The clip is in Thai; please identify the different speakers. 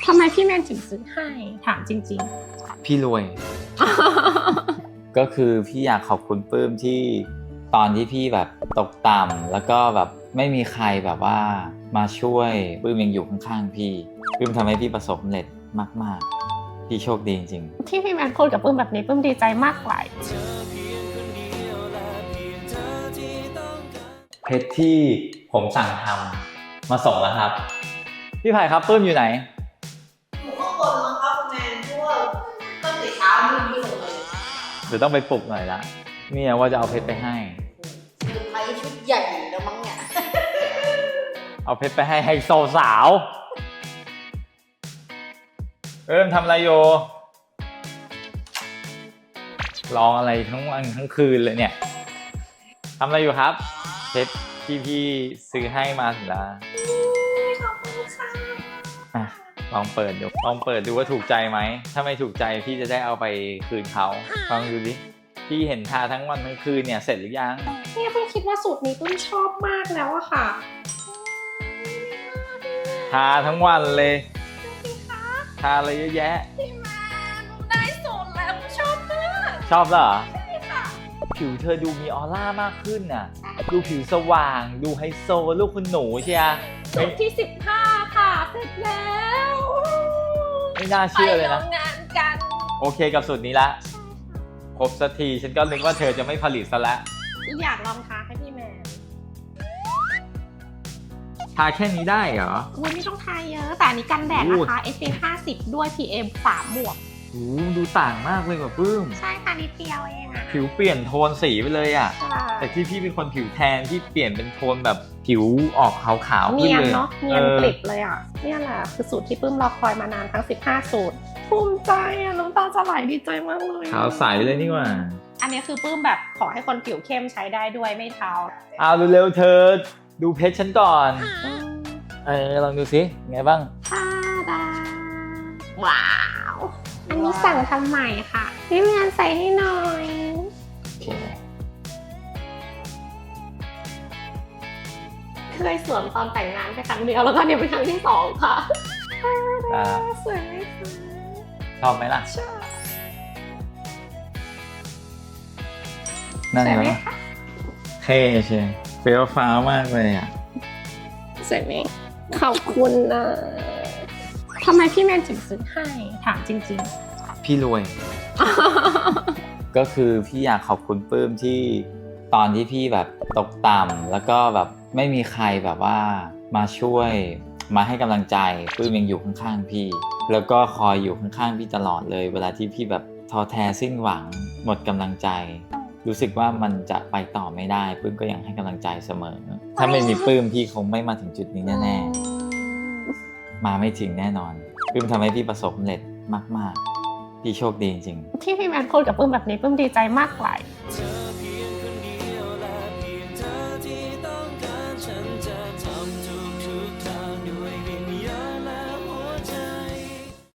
Speaker 1: ทำไมพี่แมนถึงซื้อให้ถามจริง
Speaker 2: พี่รวย
Speaker 1: ๆ
Speaker 2: ก็คือพี่อยากขอบคุณปื้มที่ตอนที่พี่แบบตกต่ำแล้วก็แบบไม่มีใครแบบว่ามาช่วยปื้มยังอยู่ข้างๆพี่ปื้มทำให้พี่ประสบความสำเร็จมากๆพี่โชคดีจริง
Speaker 1: ที่พี่แมนพูดกับปื้มแบบนี้ปื้มดีใจมากกว่า
Speaker 2: เพชรที่ผมสั่งทำมาส่งแล้วครับพี่ไผ่ครับปื้มอยู่ไหน
Speaker 3: อยู่ข้างบนมั้งครับคุณแมนเพราะว่าตั้งแต่เช้าไม่ลงเลย
Speaker 2: เดี๋ยวต้องไปปลุกหน่อยละเนี่ยว่าจะเอาเพชรไปให้
Speaker 3: เซอร์ไพรส์ชุดใหญ่แล้วมั้งเนี่ย
Speaker 2: เอาเพชรไปให้ไฮโซสาวทำอะไรอยู่ร้องอะไรทั้งวันทั้งคืนเลยเนี่ยทำอะไรอยู่ครับเพชรที่พี่ซื้อให้มาถึงแล้ว
Speaker 3: ขอบคุณค่ะ
Speaker 2: ลองเปิดดูว่าถูกใจไหมถ้าไม่ถูกใจพี่จะได้เอาไปคืนเขาลองดูดิพี่เห็นทาทั้งวันทั้งคืนเนี่ยเสร็จหรือยัง
Speaker 1: เนี่ยเพิ่งคิดว่าสูตรนี้ปื้มชอบมากแล้วอะค่ะ
Speaker 2: ทาทั้งวันเลยทาอะไรเยอะแยะ
Speaker 1: พี่แมนได้สูตรแล้วชอบมาก
Speaker 2: ชอบเหรอ
Speaker 1: ใช่ค่ะ
Speaker 2: ผิวเธอดูมีออร่ามากขึ้นน่ะดูผิวสว่างดูไฮโซลูกคุณหนูเชีย
Speaker 1: สูตรที่15ค่ะเสร็จแล้ว
Speaker 2: ไม่น่าเชื่อเลยนะ
Speaker 1: ไปโรงงานกัน
Speaker 2: โอเคกับสูตรนี้ละครบสักทีฉันก็นึกว่าเธอจะไม่ผลิตซะแล้ว
Speaker 1: อยากลองทาให้พี่แมน
Speaker 2: ทาแค่นี้ได้เหรอ
Speaker 1: คุณไม่ต้องทาเยอะแต่อันนี้กันแดดนะคะ SPF 50 ด้วย PM 3 บวก
Speaker 2: ดูต่างมากเลยกว่าปื้ม
Speaker 1: ใช่ค่ะนิดเดียวเองอะ
Speaker 2: ผิวเปลี่ยนโทนสีไปเลยอะแต่ที่พี่เป็นคนผิวแทนที่เปลี่ยนเป็นโทนแบบผิวออกขาวๆขึ้นเลย
Speaker 1: เนาะเนียนกริบเลยอะเนี่ยแหละคือสูตรที่ปื้มรอคอยมานานทั้ง15สูตรภูมิใจอะน้ำตาจะไหลดีใจมากเลย
Speaker 2: ขาวใสเลยนี่หว่า
Speaker 1: อันนี้คือปื้มแบบขอให้คนผิวเข้มใช้ได้ด้วยไม่เทา
Speaker 2: เอาเร็วๆเธอดูเพชรฉันก่อนลองดูสิไงบ้าง
Speaker 1: ทาดาว้าวอันนี้สั่งทำใหม่ค่ะพี่แมนใส่ให้หน่อยเคยสวมตอนแต่งงานไปครั้งเดียวแล้วก็เนี่ยเป็นครั้งที่2ค่ะสวยไหมคะ
Speaker 2: ชอบไหมล่ะ
Speaker 1: ชอบ
Speaker 2: นั่นเหรอเท่เชียวเฟี้ยวฟ้าวมากเลยอ่ะ
Speaker 1: สวยไหมขอบคุณนะทำไมพี่แมนถึงซื้อให้ถามจริง
Speaker 2: ๆพี่รวย ก็คือพี่อยากขอบคุณปื้มที่ตอนที่พี่แบบตกต่ำแล้วก็แบบไม่มีใครแบบว่ามาช่วยมาให้กำลังใจปื้มยังอยู่ข้างๆพี่แล้วก็คอยอยู่ข้างๆพี่ตลอดเลยเวลาที่พี่แบบท้อแท้สิ้นหวังหมดกำลังใจรู้สึกว่ามันจะไปต่อไม่ได้ปื้มก็ยังให้กำลังใจเสมอถ้าไม่มีปื้มพี่คงไม่มาถึงจุดนี้แน่ๆมาไม่ถึงแน่นอนปื้มทำให้พี่ประสบความสำเร็จมากๆพี่โชคดีจริงๆ
Speaker 1: ที่พี่แมนพูดกับปื้มแบบนี้ปื้มดีใจมากกว่า